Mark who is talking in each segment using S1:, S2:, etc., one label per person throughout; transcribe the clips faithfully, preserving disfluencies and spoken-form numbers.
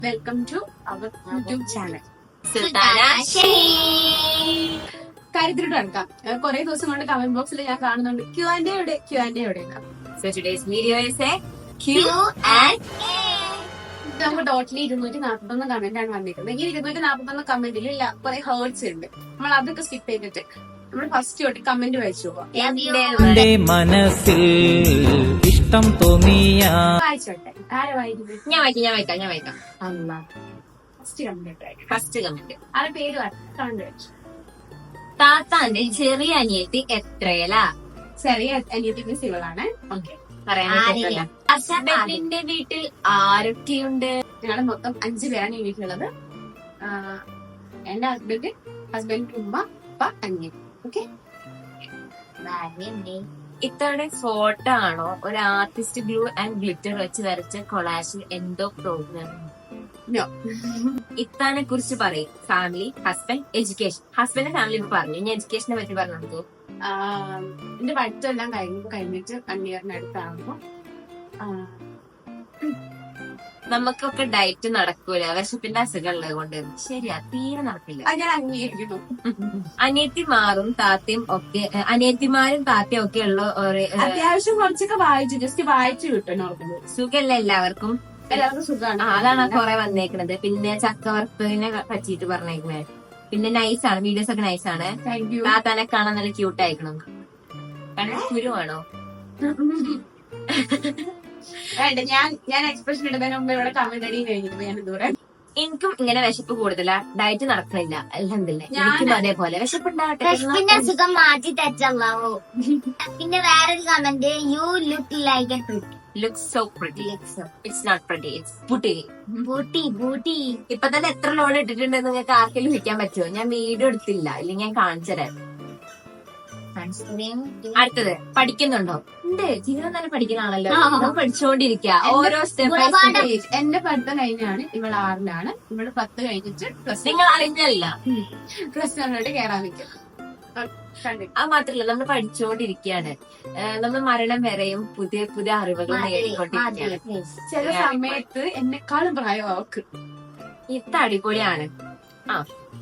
S1: Welcome to our YouTube channel. കാര്യത്തിലോട്ട് കിടക്കാം. കുറെ ദിവസം കൊണ്ട് കമന്റ് ബോക്സിൽ ഞാൻ കാണുന്നുണ്ട് ക്യൂ ആൻഡ് എവിടെ ക്യൂ ആൻഡ് എവിടെ. നമുക്ക് ടോട്ടലി ഇരുന്നൂറ്റി നാപ്പത്തൊന്ന് കമന്റ് ആണ് വന്നിരിക്കുന്നത്. ഈ ഇരുന്നൂറ്റി നാപ്പത്തൊന്ന് കമന്റിൽ കുറെ ഹേർട്സ് ഉണ്ട്. നമ്മൾ അതൊക്കെ സ്കിപ്പ് ചെയ്തിട്ട് നമ്മൾ ഫസ്റ്റ് തൊട്ട് കമന്റ് വായിച്ചു പോവാം. മനസ്സിൽ ഇഷ്ടം തോന്നിയ വായിച്ചോട്ടെ. ആരെ വായിക്കുന്നത്?
S2: ഞാൻ വായിക്കാം ഞാൻ വായിക്കാം ഞാൻ വായിക്കാം
S1: അല്ല ഫസ്റ്റ് കമന്റ്
S2: ഫസ്റ്റ് കമന്റ്
S1: ആരെ പേര് കമന്റ് വായിച്ചു.
S2: താത്താന്റെ ചെറിയ അനിയത്തി എത്രയലാ?
S1: ചെറിയ അനിയത്തി സിവളാണ്. ഓക്കെ,
S2: ഹസ്ബൻഡിന്റെ വീട്ടിൽ ആരൊക്കെയുണ്ട്?
S1: ഞങ്ങള് മൊത്തം അഞ്ചു പേരാണ് ഈ വീട്ടിലുള്ളത്. എന്റെ ഹസ്ബൻഡ്, ഹസ്ബൻഡിന്റെ ഉമ്മ, ഉപ്പ, അനിയൻ. ഓക്കെ,
S2: ഇത്തവണ ഫോട്ടോ ആണോ ഒരു ആർട്ടിസ്റ്റ് ഗ്ലൂ ആൻഡ് ഗ്ലിറ്റർ വെച്ച് വരച്ച കൊളാഷിൽ എന്തോ പ്രോഗ്രാം? ഇത്താനെ കുറിച്ച് പറയും. Family, husband, education. Husband family പറഞ്ഞു. ഇനി എഡ്യൂക്കേഷനെ പറ്റി പറഞ്ഞു കൊടുത്തു.
S1: എന്റെ പഠിത്തമെല്ലാം കഴിഞ്ഞു കഴിഞ്ഞിട്ട് വൺ ഇയറിനടുത്താകുമ്പോ
S2: നമുക്കൊക്കെ ഡയറ്റ് നടക്കൂല, വിശപ്പിന്റെ അസുഖം ഉള്ളത് കൊണ്ട്. ശരിയാ, തീരെ നടക്കില്ല.
S1: ഞാൻ അംഗീകരിക്കുന്നു.
S2: അനിയത്തിമാരും താത്തയും ഒക്കെ അനിയത്തിമാരും താത്തയും ഒക്കെ ഉള്ള
S1: അത്യാവശ്യം കുറച്ചൊക്കെ വായിച്ചു, ജസ്റ്റ് വായിച്ചു കിട്ടും.
S2: സുഖല്ല എല്ലാവർക്കും?
S1: എല്ലാവർക്കും സുഖമാണ്.
S2: അതാണ് കുറെ വന്നേക്കണത്. പിന്നെ ചക്കവർത്തതിനെ പറ്റിയിട്ട് പറഞ്ഞേക്കണേ. പിന്നെ നൈസാണ്, വീഡിയോസ് ഒക്കെ നൈസാണ്. താത്താനെ കാണാൻ നല്ല ക്യൂട്ട് ആയിക്കണം. കാരണം കുരുവാണോ?
S1: വേണ്ട, ഞാൻ ഞാൻ എക്സ്പ്രഷൻ ഇടുന്നതിന് മുമ്പ് ഇവിടെ കമന്റ് അടി കഴിഞ്ഞിട്ട് ഞാൻ ദൂരെ.
S2: എനിക്കും ഇങ്ങനെ വിശപ്പ് കൂടുതലാ, ഡയറ്റ് നടക്കണില്ല. അൽഹംദുലില്ലാ, എനിക്കും അതേപോലെ വിശപ്പുണ്ടാവട്ടെ.
S3: വിശപ്പിന്റെ അസുഖം മാറ്റി തെറ്റല്ലാവോ. പിന്നെ വേറൊരു comment, you look like a pretty.
S2: Looks so pretty. It's not pretty, it's booty.
S3: Booty booty.
S2: ഇപ്പൊ തന്നെ എത്ര ലോൺ ഇട്ടിട്ടുണ്ടെന്ന് നിങ്ങൾക്ക് ആർക്കെങ്കിലും വിൽക്കാൻ പറ്റുമോ? ഞാൻ വീഡിയോ എടുത്തില്ല, ഇല്ലെങ്കിൽ ഞാൻ കാണിച്ചു തരാം. അടുത്തത്, പഠിക്കുന്നുണ്ടോ? ഉണ്ട്, ജീവിതം തന്നെ പഠിക്കുന്നതാണല്ലോ. നമ്മൾ പഠിച്ചുകൊണ്ടിരിക്കുക ഓരോ സ്റ്റെപ്പ്.
S1: എന്റെ പഠിത്തം കഴിഞ്ഞാണ്, ഇവൾ ആറിലാണ്. ഇവള് പത്ത് കഴിഞ്ഞിട്ട് പ്ലസ്.
S2: നിങ്ങൾ അറിഞ്ഞല്ല
S1: പ്ലസ് വണ്ണോട്ട് കയറാൻ നിൽക്കും.
S2: അത് മാത്രല്ല, നമ്മൾ പഠിച്ചുകൊണ്ടിരിക്കുകയാണ്. നമ്മൾ മരണം വരെയും പുതിയ പുതിയ അറിവുകൾ നേടിക്കൊണ്ടിരിക്കുകയാണ്.
S1: ചില സമയത്ത് എന്നെക്കാളും പ്രായം അവക്ക്.
S2: ഇത് അടിപൊളിയാണ്. ആ,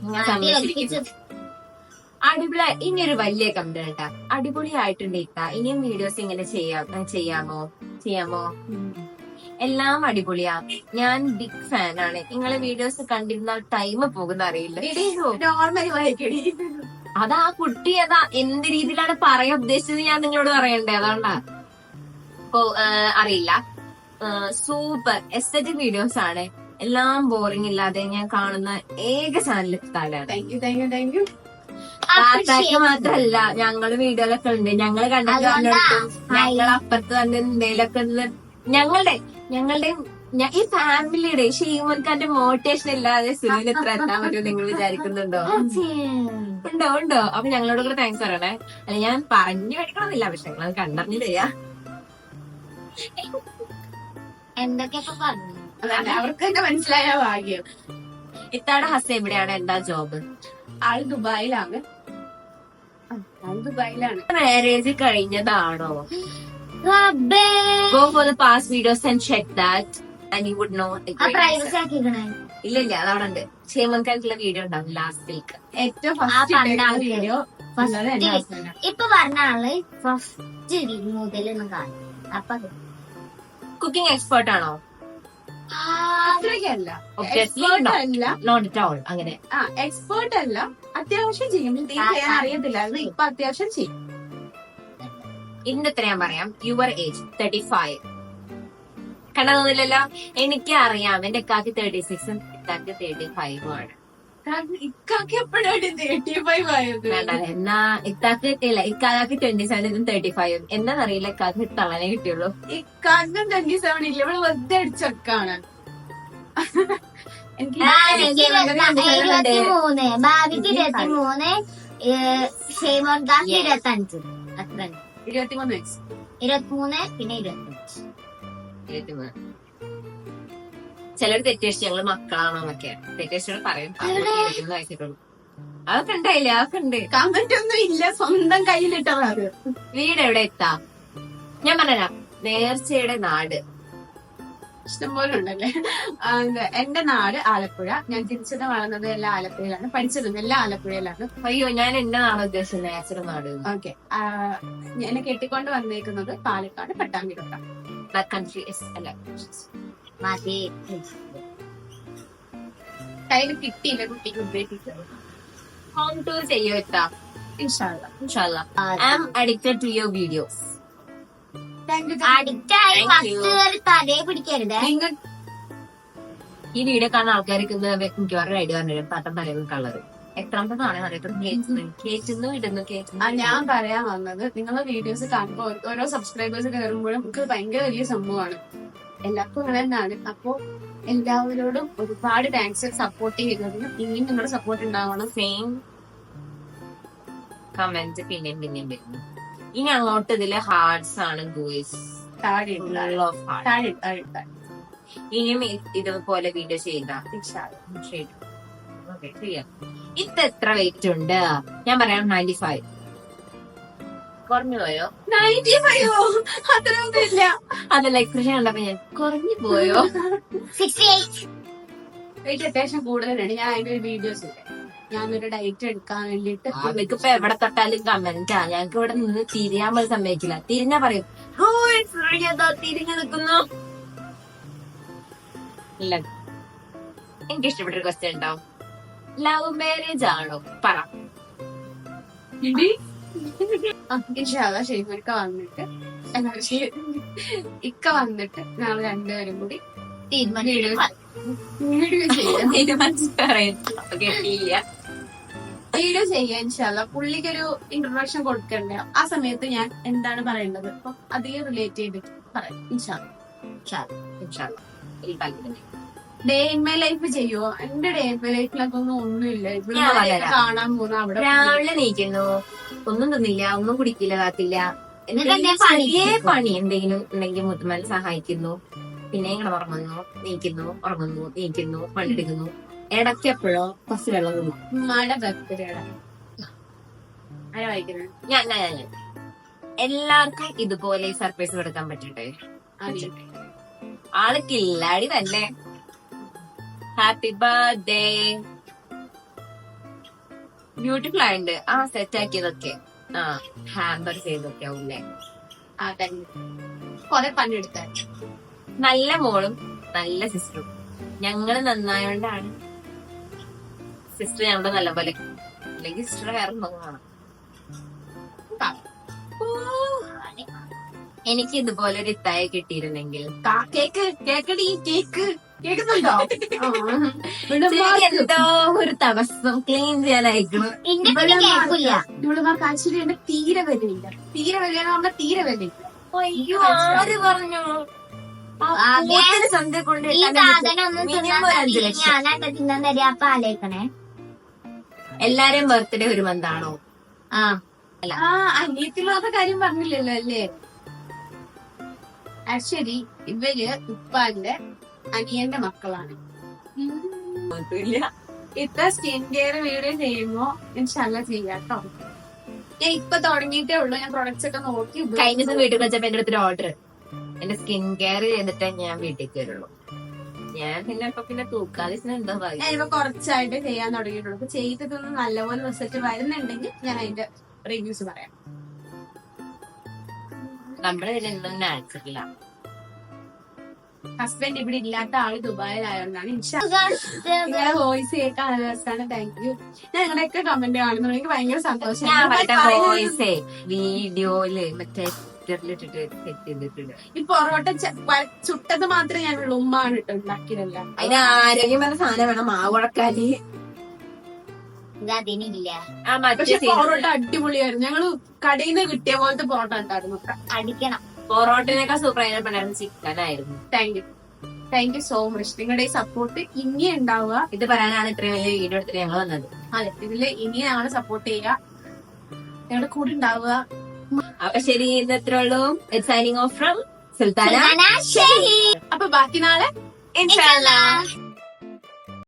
S2: അടിപൊളി. ഇനിയൊരു വലിയ കമന്റ് കേട്ടാ, അടിപൊളിയായിട്ടുണ്ട് ഇത്ത. ഇനിയും വീഡിയോസ് ഇങ്ങനെ ചെയ്യാം ചെയ്യാമോ ചെയ്യാമോ എല്ലാം അടിപൊളിയാ. ഞാൻ ബിഗ് ഫാൻ ആണ്. നിങ്ങളെ വീഡിയോസ് കണ്ടിരുന്നാൽ ടൈം പോകുന്ന അറിയില്ല.
S1: നോർമലി വായിക്കടി.
S2: അതാ കുട്ടി അതാ എന്ത് രീതിയിലാണ് പറയാൻ ഉദ്ദേശിച്ചത് ഞാൻ നിങ്ങളോട് പറയണ്ടേ, അതുകൊണ്ടാ. ഓ അറിയില്ല. സൂപ്പർ എസ്തറ്റിക് വീഡിയോസ് ആണ്. എല്ലാം ബോറിംഗ് ഇല്ലാതെ ഞാൻ കാണുന്ന ഏക ചാനൽ താലാണ്. താത്താക്ക് മാത്രല്ല, ഞങ്ങള് വീഡിയോയിലൊക്കെ ഉണ്ട്. ഞങ്ങള് കണ്ടിട്ട് ഞങ്ങൾ അപ്പുറത്ത് തന്നെ എന്തെങ്കിലുമൊക്കെ ഞങ്ങളുടെ ഞങ്ങളുടെ ഈ ഫാമിലിയുടെ ഷീമൻഖാന്റെ മോട്ടിവേഷൻ ഇല്ലാതെ സുനിൽ എത്ര എത്താൻ പറ്റുമോ നിങ്ങൾ വിചാരിക്കുന്നുണ്ടോ? ഉണ്ടോ ഉണ്ടോ അപ്പൊ ഞങ്ങളോട് കൂടെ താങ്ക്സ് പറയണേ. അല്ല, ഞാൻ പറഞ്ഞു പഠിക്കണമെന്നില്ല, പക്ഷെ ഞങ്ങൾ കണ്ടറിഞ്ഞു തരാ.
S3: എന്തൊക്കെയൊക്കെ പറഞ്ഞു
S1: അവർക്ക് തന്നെ മനസ്സിലായ ഭാഗ്യം.
S2: ഇത്താടെ ഹസ് എവിടെയാണ്? എന്താ ജോബ്?
S1: ആള് ദുബായിലാണ്. ആള് ദുബായിലാണ്.
S2: മാരേജ് കഴിഞ്ഞതാണോ? Go for the past videos and check that and you would know. ഇല്ല ഇല്ല, അതവിടെ ഉണ്ട്. ഷേമൻഖാനുള്ള വീഡിയോ ഉണ്ടാവും ലാസ്റ്റ് വീക്ക്.
S1: ഏറ്റവും ഫസ്റ്റ് വീഡിയോ
S3: ഇപ്പൊ പറഞ്ഞ ആള് ഫസ്റ്റ് മുതലൊന്നും കാണും. അപ്പൊ
S2: കുക്കിംഗ് എക്സ്പേർട്ട് ആണോ?
S1: അത്രയ്ക്കല്ല,
S2: നോട്ട് അറ്റ് ഓൾ. അങ്ങനെ
S1: എക്സ്പേർട്ട് അല്ല, അത്യാവശ്യം ചെയ്യും. ചെയ്യാൻ അറിയത്തില്ല, ഇപ്പൊ അത്യാവശ്യം ചെയ്യും.
S2: ഇതിന്റെ എത്ര ഞാൻ പറയാം. Your age thirty five. കണ്ടതൊന്നുമില്ലല്ലോ. എനിക്ക് അറിയാം, എന്റെ ഇക്കാക്ക് തേർട്ടി സിക്സും ഇക്കാക്ക് തേർട്ടി ഫൈവും ആണ്.
S1: ഇക്കാക്ക് എപ്പോഴാണ് തേർട്ടി ഫൈവ് ആയത്?
S2: എന്നാ ഇക്കാക്ക് ഇല്ല, ഇക്കാക്ക് ട്വന്റി സെവനും തേർട്ടി ഫൈവും. എന്താണെന്നറിയില്ല, ഇക്കാക്ക് തളനെ കിട്ടിയുള്ളൂ.
S1: ഇക്കാക്കും ട്വന്റി സെവൻ ഇല്ല, ഇവിടെ വെറുതെ അടിച്ചൊക്കാണ്.
S3: ഇരുപത്തിമൂന്ന്, ഭാവിക്ക് ഇരുപത്തിമൂന്ന്, ഷെയ്മോൻഖാക്ക് ഇരുപത്തഞ്ച്. അത്ര
S1: ഇരുപത്തിമൂന്ന് വയസ്സ്.
S3: ഇരുപത്തിമൂന്ന് പിന്നെ ഇരുപത്തഞ്ച്.
S2: ഇരുപത്തിമൂന്ന്. ചിലർ തെറ്റേഷ് ഞങ്ങള് മക്കളാണോന്നൊക്കെ തെറ്റേഷോട് പറയും. ഇരുപത്തിമൂന്ന് വയസ്സിട്ടുള്ളൂ. അതൊക്കെ ഉണ്ടായില്ലേ? അതൊക്കെ ഉണ്ട്.
S1: കമന്റ് ഒന്നും ഇല്ല, സ്വന്തം കയ്യിലിട്ടത്.
S2: വീട് എവിടെ എത്താ? ഞാൻ പറഞ്ഞുതരാം. നേർച്ചയുടെ നാട്
S1: ഇഷ്ടംപോലെ ഉണ്ടല്ലേ. ആ, എന്താ, എന്റെ നാട് ആലപ്പുഴ. ഞാൻ ജനിച്ചത് വളർന്നത് എല്ലാം ആലപ്പുഴയിലാണ്, പഠിച്ചതും എല്ലാം ആലപ്പുഴയിലാണ്.
S2: അയ്യോ, ഞാൻ എന്റെ നാട് ഉദ്ദേശിച്ചത് നാച്ചുറൽ നാട്.
S1: ഓക്കെ. എന്നെ കെട്ടിക്കൊണ്ട് വന്നേക്കുന്നത് പാലക്കാട് പട്ടാമ്പിലോട്ടാണ്.
S2: കൺട്രി അല്ല,
S3: മതി.
S1: കയ്യിൽ കിട്ടിയില്ല കുട്ടിക്ക് ഉദ്ദേശിച്ചത്.
S2: ഹോം ടൂർ ചെയ്യോ എത്താ?
S1: ഇൻഷാല്ല.
S2: ഇൻഷാല്ലാ. I am addicted to your videos.
S1: Thank you.
S3: Addict ആയി
S2: Thank you.
S3: ഫസ്റ്റ് കയറി തലയെ പിടിക്കരുത്.
S1: നിങ്ങൾ
S2: ഈ വീഡിയോ കാണുന്ന ആൾക്കാർക്ക് ഇത് മിക്കവാറും ഐഡിയ പറഞ്ഞു പട്ടം തലയിൽ കളറ് എത്രാമതാണ് അറിയത്തും കേറ്റുന്നു ഇടുന്നു
S1: ആ,
S2: കേറ്റുന്നു.
S1: ഞാൻ പറയാൻ വന്നത്, നിങ്ങളെ വീഡിയോസ് കാണുമ്പോൾ ഓരോ സബ്സ്ക്രൈബേഴ്സ് കയറുമ്പോഴും നമുക്ക് ഭയങ്കര വലിയ സംഭവമാണ്. എല്ലാവർക്കും അങ്ങനെ തന്നെയാണ്. അപ്പോ എല്ലാവരോടും ഒരുപാട് താങ്ക്സ് സപ്പോർട്ട് ചെയ്യുന്നതിനും. ഇനിയും നിങ്ങളുടെ സപ്പോർട്ട് ഉണ്ടാവണം.
S2: സെയിം കമന്റ് പിന്നെയും പിന്നെയും വരുന്നു. ഇനി അങ്ങോട്ട് ഇതില് ഹാർട്സ് ആണ് ഗൂയിസ്.
S1: താഴെ ഇടുക. താഴെ ഇടുക, താഴെ ഇടുക.
S2: ഇനിയും ഇ- ഇതുപോലെ വീഡിയോ ചെയ്ത
S1: ഇൻഷാല്ല.
S2: ഇത് എത്ര വെയിറ്റ് ഉണ്ട്? ഞാൻ പറയാം നയൻറ്റി ഫൈവ്. കുറഞ്ഞു പോയോ?
S1: നയൻറ്റി ഫൈവോ? അത്രയൊന്നും ഇല്ല.
S2: അതല്ല എക്സ്പ്രഷൻ കണ്ടപ്പോ ഞാൻ കുറഞ്ഞു പോയോ?
S3: Sixty eight.
S1: വെയിറ്റ് അത്യാവശ്യം കൂടുതലാണ്. ഞാൻ അതിന്റെ ഒരു വീഡിയോസ് ഇല്ല. ഞാനൊരു ഡയറ്റ് എടുക്കാൻ വേണ്ടിട്ട്
S2: നമുക്കിപ്പോ എവിടെ തൊട്ടാലും കമന്റാ. ഞങ്ങൾക്ക് ഇവിടെ നിന്ന് തിരിയാൻ പോലും സമ്മതിക്കില്ല. തിരിഞ്ഞാ പറയും "ഓ, ശ്രീയതാ തിരിഞ്ഞു നിൽക്കുന്നു." ഇല്ല, എനിക്ക് ഇഷ്ടപ്പെട്ടൊരു ക്വസ്റ്റ്യൻ ഉണ്ടാവും. ലവ് മാരേജ് ആണോ? പറ.
S1: ഇൻഷാല്ല ഷെയ്ഫിക്ക വന്നിട്ട് അല്ല, ഷെ- ഇക്ക വന്നിട്ട് ഞങ്ങൾ രണ്ടുപേരും കൂടി
S3: തീരുമാനം.
S1: വീഡിയോ ചെയ്യാം.
S2: തീരുമാനിച്ച് പറയുന്നു. അപ്പൊ കേട്ടില്ല.
S1: വീഡിയോ ചെയ്യാൻ ഇൻഷാല്ല. പുള്ളിക്കൊരു ഇൻട്രൊഡക്ഷൻ കൊടുക്കണ്ടേ, ആ സമയത്ത് ഞാൻ എന്താണ് പറയേണ്ടത് അപ്പൊ അധികം റിലേറ്റ് ചെയ്തിട്ട് പറയാം ഇൻഷാല്ല.
S2: ഇൻഷാല്ലാ. ഈ താല്പര്യം.
S1: ഡേ ഇൻ മൈ ലൈഫ് ചെയ്യുവോ? എന്റെ ഡേ ഇൻ മൈ ലൈഫിലൊക്കെ ഒന്നും ഒന്നുമില്ല. ഇവിടെ
S2: ഞാൻ പറയാം.
S1: കാണാൻ പോകുന്ന അവിടെ
S2: രാവിലെ നീക്കുന്നു, ഒന്നും തിന്നില്ല, ഒന്നും കുടിക്കില്ല, കാത്തില്ല.
S3: എന്നിട്ട്
S2: എന്തെങ്കിലും
S3: എന്നെ പണി
S2: ചെറിയ പണി എന്തെങ്കിലും ഉണ്ടെങ്കിൽ മുത്തുമാൻ സഹായിക്കുന്നു. പിന്നെ ഇങ്ങനെ ഉറങ്ങുന്നു, നീക്കുന്നു, ഉറങ്ങുന്നു, നീക്കുന്നു, പണിയെടുക്കുന്നു. ഇടയ്ക്ക് എപ്പോഴോ കുറച്ച് വെള്ളം കുടിക്കും.
S1: ഉമ്മാടെ ബർത്ത്ഡേയുടെ ആരാ വായിക്കുന്നത്?
S2: ഞാൻ ഞാൻ ഞാൻ- ഞാൻ. എല്ലാവർക്കും ഇതുപോലെ സർപ്രൈസ് കൊടുക്കാൻ പറ്റട്ടെ.
S1: ആദ്യം
S2: ആള് കില്ലാടി തന്നെ. Happy birthday. ബ്യൂട്ടിഫുൾ ആയിട്ടുണ്ട്. ആ സെറ്റ് ആക്കിയതൊക്കെ ആ ഹാമ്പർ ചെയ്തൊക്കെ ആവൂലേ.
S1: ആ തന്നെ കൊറേ പണിയെടുത്താൽ.
S2: നല്ല മോളും നല്ല സിസ്റ്ററും. ഞങ്ങള് നന്നായോണ്ടാണ് സിസ്റ്റർ ഞങ്ങളുടെ നല്ല പോലെ. അല്ലെങ്കിൽ സിസ്റ്റർ വേറെ കാണാം. എനിക്ക് ഇതുപോലെ ഒരു ഇത്തായ കിട്ടിയിരുന്നെങ്കിൽ
S1: കേക്ക് കേക്കടി കേക്ക് കേൾക്കുന്നുണ്ടോ?
S2: ശരിക്ക് എന്തോ ഒരു തടസ്സം ക്ലീൻ ചെയ്യാനായിരിക്കണം.
S3: ഇന്റെ പിന്നെ കേൾക്കില്ല.
S1: ഇവളുമാർക്ക് ആക്ച്വലി എന്റെ തീരെ വിലയില്ല. തീരെ വിലയെന്ന് പറഞ്ഞാൽ തീരെ വിലയില്ല.
S2: അയ്യോ, ആര് പറഞ്ഞു?
S3: അതെ.
S2: സന്ധ്യ കൊണ്ട്
S3: ഈ സാധനം ഒന്നും
S2: മിനിമം ഒരു അഞ്ചു
S3: തിന്നാൻ
S2: ലക്ഷം.
S3: ഞാനായിട്ട് തിന്നാൻ തരാ. അപ്പൊ ആലോചിക്കണേ.
S2: എല്ലാരെയും ബർത്ത്ഡേ ഒരു മന്താണോ?
S3: ആ
S1: ആ അനിയത്തില്ലാത്ത കാര്യം പറഞ്ഞില്ലല്ലോ അല്ലേ? ആക്ച്വലി ഇവര് ഉപ്പാന്റെ അനിയന്റെ മക്കളാണ്. ഇത്ര സ്കിൻ കെയർ വീഡിയോ ചെയ്യുമ്പോ ഇൻഷാല്ല ചെയ്യാട്ടോ. ഞാൻ ഇപ്പൊ തുടങ്ങിയിട്ടേ ഉള്ളൂ. ഞാൻ പ്രൊഡക്ട്സ് ഒക്കെ നോക്കി
S2: കഴിഞ്ഞ ദിവസം വീട്ടിൽ വെച്ചപ്പോ എന്റെ അടുത്തൊരു ഓർഡർ. എന്റെ സ്കിൻ കെയർ ചെയ്തിട്ടേ ഞാൻ വീട്ടിൽ കയറുള്ളൂ. ഞാൻ പിന്നെ ഇപ്പൊ പിന്നെ തൂക്കാതെ എന്താ പറയുക.
S1: ഞാനിപ്പോ കുറച്ചായിട്ട് ചെയ്യാൻ തുടങ്ങിയിട്ടുള്ളൂ. അപ്പൊ ചെയ്തിട്ടൊന്ന് നല്ലപോലെ റിസൾട്ട് വരുന്നുണ്ടെങ്കിൽ ഞാൻ അതിന്റെ റിവ്യൂസ് പറയാം.
S2: നമ്മുടെ ഇതിലൊന്നും നാച്ചുറല.
S1: ഹസ്ബൻഡ് ഇവിടെ ഇല്ലാത്ത ആള് ദുബായിലായോണ്ടാണ്. നിങ്ങളെ വോയിസ് കേൾക്കാൻ നല്ല രസമാണ്. Thank you. ഞാൻ നിങ്ങളുടെയൊക്കെ കമന്റ് കാണുന്നു. എനിക്ക് ഭയങ്കര സന്തോഷം.
S2: ഞാൻ മറ്റേ വോയിസേ വീഡിയോയില് മറ്റേ ട്വിറ്ററിലിട്ടിട്ട് സെറ്റ് ചെയ്തിട്ടുണ്ട്.
S1: ഈ പൊറോട്ട ച- പ- ചുട്ടത് മാത്രമേ ഞാനുള്ളൂ. ഉമ്മാണ് ഇട്ട് ഉണ്ടാക്കിയതല്ല.
S2: അതിന് ആരോഗ്യമായ സാധനം വേണം. മാവുടക്കാല്
S3: അതിനില്ല.
S2: ആ മറ്റേ
S1: പക്ഷെ
S2: scene.
S1: പൊറോട്ട അടിപൊളിയായിരുന്നു. ഞങ്ങള് കടയിൽ നിന്ന് കിട്ടിയ പോലത്തെ പൊറോട്ട ഉണ്ടായിരുന്നു.
S3: അടിക്കണം.
S2: പൊറോട്ടനേക്കാൾ സൂപ്പർ ആയിട്ട് ചിക്കൻ ആയിരുന്നു.
S1: Thank you thank you so much. നിങ്ങളുടെ ഈ സപ്പോർട്ട് ഇനി ഉണ്ടാവുക.
S2: ഇത് പറയാനാണ് ഇത്രയും വലിയ വീഡിയോ എടുത്തിട്ട് ഞങ്ങൾ വന്നത്.
S1: അതെ, ഇതില് ഇനി ഞങ്ങളെ സപ്പോർട്ട് ചെയ്യുക. ഞങ്ങളുടെ കൂടെ ഉണ്ടാവുക.
S2: അപ്പൊ ശരി, ഇന്ന് എത്ര ഉള്ളൂ. Signing off from Sultana.
S3: ശരി.
S1: അപ്പൊ ബാക്കി നാളെ
S3: ഇൻഷാല്ലാ.